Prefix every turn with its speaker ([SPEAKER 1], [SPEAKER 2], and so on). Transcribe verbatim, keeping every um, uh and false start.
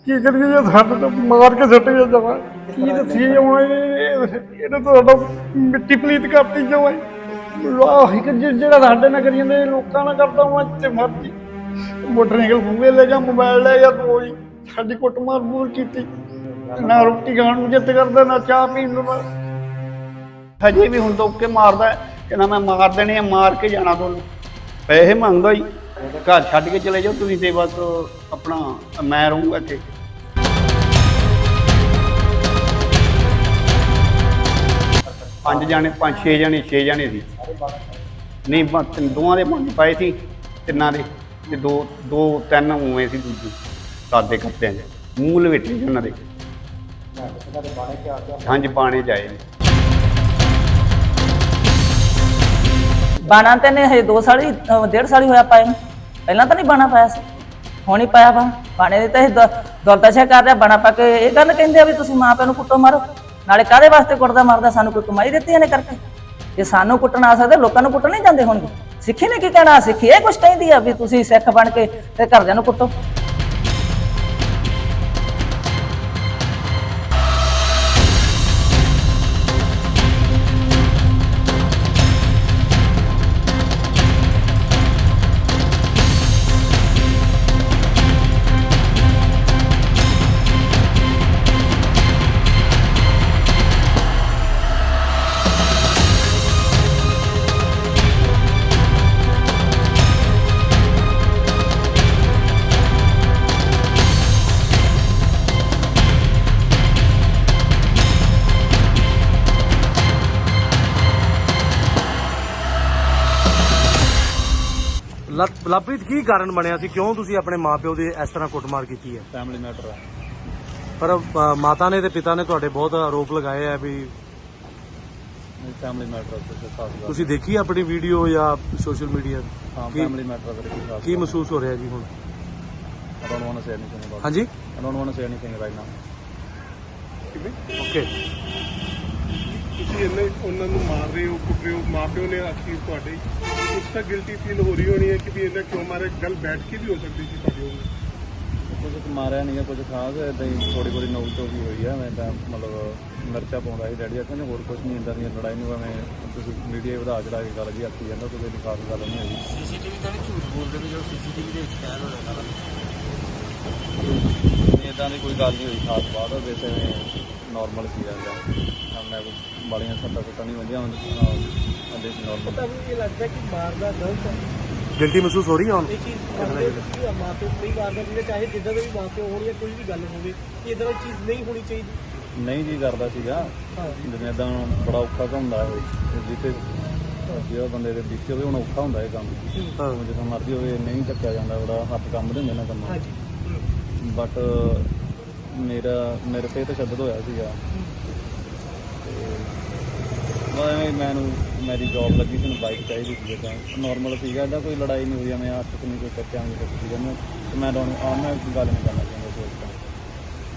[SPEAKER 1] ਕੀ ਕਰੀਏ ਜੇ ਸਾਡੇ ਤੋਂ ਮਾਰ ਕੇ ਸੁੱਟ ਗਿਆ ਜਮਾ ਕੀ ਦੱਸੀਏ ਜਮਾ ਇਹਨੇ ਤਾਂ ਸਾਡਾ ਮਿੱਟੀ ਪਲੀਤ ਕਰਤੀ ਜਮਾ ਆਹ ਇੱਕ ਜਿਹੜਾ ਸਾਡੇ ਨਾਲ ਕਰੀ ਜਾਂਦੇ ਲੋਕਾਂ ਨਾਲ ਕਰਦਾ ਮੈਂ ਜਿੱਥੇ ਮਰਜੀ ਮੋਟਰਸਾਈਕਲ ਖੂਹੇ ਲੈ ਜਾ ਮੋਬਾਈਲ ਲੈ ਜਾ ਤੂੰ ਜੀ ਸਾਡੀ ਕੁੱਟਮਾਰ ਮੂਰ ਕੀਤੀ ਨਾ ਰੋਟੀ ਖਾਣ ਨੂੰ ਜਿੱਤ ਕਰਦਾ ਨਾ ਚਾਹ ਪੀਣ ਨੂੰ ਹਜੇ ਵੀ ਹੁਣ ਤੋਂ ਕੇ ਮਾਰਦਾ ਕਹਿੰਦਾ ਮੈਂ ਮਾਰ ਦੇਣੇ ਆ ਮਾਰ ਕੇ ਜਾਣਾ ਤੁਹਾਨੂੰ ਪੈਸੇ ਮੰਗਦਾ ਜੀ ਘਰ ਛੱਡ ਕੇ ਚਲੇ ਜਾਓ ਤੁਸੀਂ ਤੇ ਬਸ ਆਪਣਾ ਮੈਂ ਰਹੂੰਗਾ ਇੱਥੇ ਪੰਜ ਜਾਣੇ ਪੰਜ ਛੇ ਜਾਣੇ ਛੇ ਜਾਣੇ ਸੀ ਨਹੀਂ ਦੋਵਾਂ ਦੇ ਪੰਜ ਪਾਏ ਸੀ ਤਿੰਨਾਂ ਦੇ ਤੇ ਦੋ ਦੋ ਤਿੰਨ ਉਵੇਂ ਸੀ ਦੂਜੇ ਸਾਦੇ ਕੱਪੜਿਆਂ 'ਚ ਮੂੰਹ ਲਵੇਟੇ ਸੀ ਉਹਨਾਂ ਦੇ ਹਾਂਜੀ ਬਾਣੇ ਜਾਏ ਨੇ
[SPEAKER 2] ਬਾਣਾ ਤੇ ਨੇ ਹਜੇ ਦੋ ਸਾਲ ਹੀ ਡੇਢ ਸਾਲ ਹੀ ਹੋਇਆ ਪਾਏ ਨੂੰ ਪਹਿਲਾਂ ਤਾਂ ਨਹੀਂ ਬਾਣਾ ਪਾਇਆ ਸੀ ਹੁਣ ਹੀ ਪਾਇਆ ਵਾ ਬਾਣੇ ਦੇ ਤਾਂ ਇਹ ਦੁਰਦਸ਼ਾ ਕਰ ਰਿਹਾ ਬਾਣਾ ਪਾ ਕੇ ਇਹ ਗੱਲ ਕਹਿੰਦੇ ਆ ਵੀ ਤੁਸੀਂ ਮਾਂ ਪਿਓ ਨੂੰ ਕੁੱਟੋ ਮਾਰੋ ਨਾਲੇ ਕਾਹਦੇ ਵਾਸਤੇ ਕੁੱਟਦਾ ਮਾਰਦਾ ਸਾਨੂੰ ਕੋਈ ਕਮਾਈ ਦਿੱਤੀ ਇਹਨੇ ਕਰਕੇ ਜੇ ਸਾਨੂੰ ਕੁੱਟਣ ਆ ਸਕਦੇ ਲੋਕਾਂ ਨੂੰ ਕੁੱਟਣ ਨਹੀਂ ਜਾਂਦੇ ਹੋਣਗੇ ਸਿੱਖੀ ਨੇ ਕੀ ਕਹਿਣਾ ਸਿੱਖੀ ਇਹ ਕੁਛ ਕਹਿੰਦੀ ਆ ਵੀ ਤੁਸੀਂ ਸਿੱਖ ਬਣ ਕੇ ਤੇ ਘਰਦਿਆਂ ਨੂੰ ਕੁੱਟੋ
[SPEAKER 3] ਲਵਪ੍ਰੀਤ ਕੀ ਕਾਰਨ ਬਣਿਆ ਸੀ ਕਿਉਂ ਤੁਸੀਂ ਆਪਣੇ ਮਾਪਿਓ ਦੀ ਇਸ ਤਰ੍ਹਾਂ ਕੁੱਟਮਾਰ ਕੀਤੀ ਹੈ
[SPEAKER 4] ਫੈਮਿਲੀ ਮੈਟਰ ਹੈ
[SPEAKER 3] ਪਰ ਅ, ਮਾਤਾ ਨੇ ਤੇ ਪਿਤਾ ਨੇ ਤੁਹਾਡੇ ਬਹੁਤ ਆਰੋਪ ਲਗਾਏ ਆ ਵੀ
[SPEAKER 4] ਫੈਮਿਲੀ ਮੈਟਰ ਹੈ
[SPEAKER 3] ਤੁਸੀਂ ਦੇਖੀ ਆਪਣੀ ਵੀਡੀਓ ਜਾਂ ਸੋਸ਼ਲ ਮੀਡੀਆ
[SPEAKER 4] ਹਾਂ
[SPEAKER 3] ਕੀ-
[SPEAKER 4] ਫੈਮਿਲੀ ਮੈਟਰ ਹੈ
[SPEAKER 3] ਕੀ ਮਹਿਸੂਸ ਹੋ ਰਿਹਾ ਜੀ ਹੁਣ
[SPEAKER 4] I don't want to say anything about
[SPEAKER 3] ਹਾਂਜੀ
[SPEAKER 4] it. I don't want to say anything right now.
[SPEAKER 3] Okay
[SPEAKER 5] ਤੁਸੀਂ ਇੰਨੇ ਉਹਨਾਂ ਨੂੰ ਮਾਰ ਰਹੇ ਹੋ ਕੁੱਟ ਰਹੇ ਹੋ ਮਾਂ ਪਿਓ ਨੇ ਆਖੀ ਤੁਹਾਡੇ ਕੁਛ ਤਾਂ ਗਿਲਟੀ ਫੀਲ ਹੋ ਰਹੀ ਹੋਣੀ ਹੈ ਕਿ ਵੀ ਇਹਨਾਂ ਕਿਉਂ ਮਾਰੇ ਗੱਲ ਬੈਠ ਕੇ ਵੀ ਹੋ ਸਕਦੀ ਸੀ ਤੁਹਾਡੀ ਉਹ
[SPEAKER 4] ਕੁਝ ਮਾਰਿਆ ਨਹੀਂ ਹੈ ਕੁਝ ਖਾਸ ਇਦਾਂ ਹੀ ਥੋੜੀ ਥੋੜੀ ਨੋਕ ਤੋਂ ਵੀ ਹੋਈ ਆ ਮੈਂ ਤਾਂ ਮਤਲਬ ਮਿਰਚਾ ਪਾਉਂਦਾ ਸੀ ਡੈਡੀ ਕਹਿੰਦੇ ਹੋਰ ਕੁਝ ਨਹੀਂ ਇੰਦਾਂ ਦੀਆਂ ਲੜਾਈ ਨੂੰ ਐਵੇਂ ਤੁਸੀਂ ਮੀਡੀਆ ਵਧਾ ਚੜਾ ਕੇ ਗੱਲ ਜੀ ਆਖੀ ਜਾਂਦਾ ਕੋਈ ਇੰਨੀ ਖਾਸ ਗੱਲ ਨਹੀਂ ਹੈਗੀ
[SPEAKER 6] ਸੀਸੀਟੀਵੀ ਤਾਂ ਨਹੀਂ ਝੂਠ ਬੋਲਦੇ ਵੀ ਜੋ ਸੀਸੀਟੀਵੀ ਦੇ ਵਿੱਚ ਕੈਦ ਹੋ ਰਿਹਾ
[SPEAKER 4] ਇੱਦਾਂ ਦੀ ਕੋਈ ਗੱਲ ਨਹੀਂ ਹੋਈ ਖਾਸ ਬਾਤ ਵੈਸੇ ਨੋਰਮਲ ਸੀ ਜਾਂਦਾ ਮੈਂ ਕੋਈ ਬਾਲੀਆਂ ਸੱਟਾਂ ਸੁੱਟਾਂ ਨਹੀਂ ਵੰਦੀਆਂ ਅੰਦੇ ਸੀ ਨੋਰਮਲ
[SPEAKER 6] ਤੁਹਾਨੂੰ ਇਹ ਲੱਗਦਾ ਕਿ ਮਾਰਦਾ ਗਲਤ ਹੈ
[SPEAKER 3] ਗਿਲਟੀ ਮਹਿਸੂਸ ਹੋ ਰਹੀ ਹੈ ਹੁਣ
[SPEAKER 6] ਇਹ ਚੀਜ਼ ਮਾਪੇ ਕਿ ਮਾਪੇ ਨਹੀਂ ਮਾਰਦਾ ਜਿਹਦੇ ਚਾਹੇ ਜਿੱਦਾਂ ਦੇ ਵੀ ਮਾਪੇ ਹੋਣ ਜਾਂ ਕੋਈ ਵੀ ਗੱਲ ਹੋਵੇ ਕਿ ਇਦਾਂ ਦੀ ਚੀਜ਼ ਨਹੀਂ ਹੋਣੀ ਚਾਹੀਦੀ
[SPEAKER 4] ਨਹੀਂ ਜੀ ਕਰਦਾ ਸੀਗਾ ਜਿਵੇਂ ਇਦਾਂ ਬੜਾ ਔਖਾ ਹੁੰਦਾ ਹੈ ਜਿੱਥੇ ਜਿਹੜਾ ਬੰਦੇ ਦੇ ਵਿੱਚ ਹੋਵੇ ਹੁਣ ਔਖਾ ਹੁੰਦਾ ਇਹ ਕੰਮ ਜਦੋਂ ਮਰਜ਼ੀ ਹੋਵੇ ਨਹੀਂ ਚੱਕਿਆ ਜਾਂਦਾ ਬੜਾ ਹੱਥ ਕੰਮ ਦੇ ਹੁੰਦੇ ਨਾ ਕੰਮ ਬਟ ਮੇਰਾ ਮੇਰੇ ਤੇ ਤਸ਼ੱਦਦ ਹੋਇਆ ਸੀਗਾ ਤੇ ਮੈਨੂੰ ਮੇਰੀ ਜੌਬ ਲੱਗੀ ਸੀ ਮੈਨੂੰ ਬਾਈਕ ਚਾਹੀਦੀ ਸੀ ਤਾਂ ਨੋਰਮਲ ਸੀਗਾ ਇਹਦਾ ਕੋਈ ਲੜਾਈ ਨਹੀਂ ਹੋਈ ਮੈਂ ਹੱਥ 'ਚ ਨਹੀਂ ਕੋਈ ਚੱਕਿਆ ਨਹੀਂ ਕੁਛ ਸੀਗਾ ਮੈਂ ਮੈਂ ਤੁਹਾਨੂੰ ਆਮ ਨਾਲ ਗੱਲ ਨਹੀਂ ਕਰਨਾ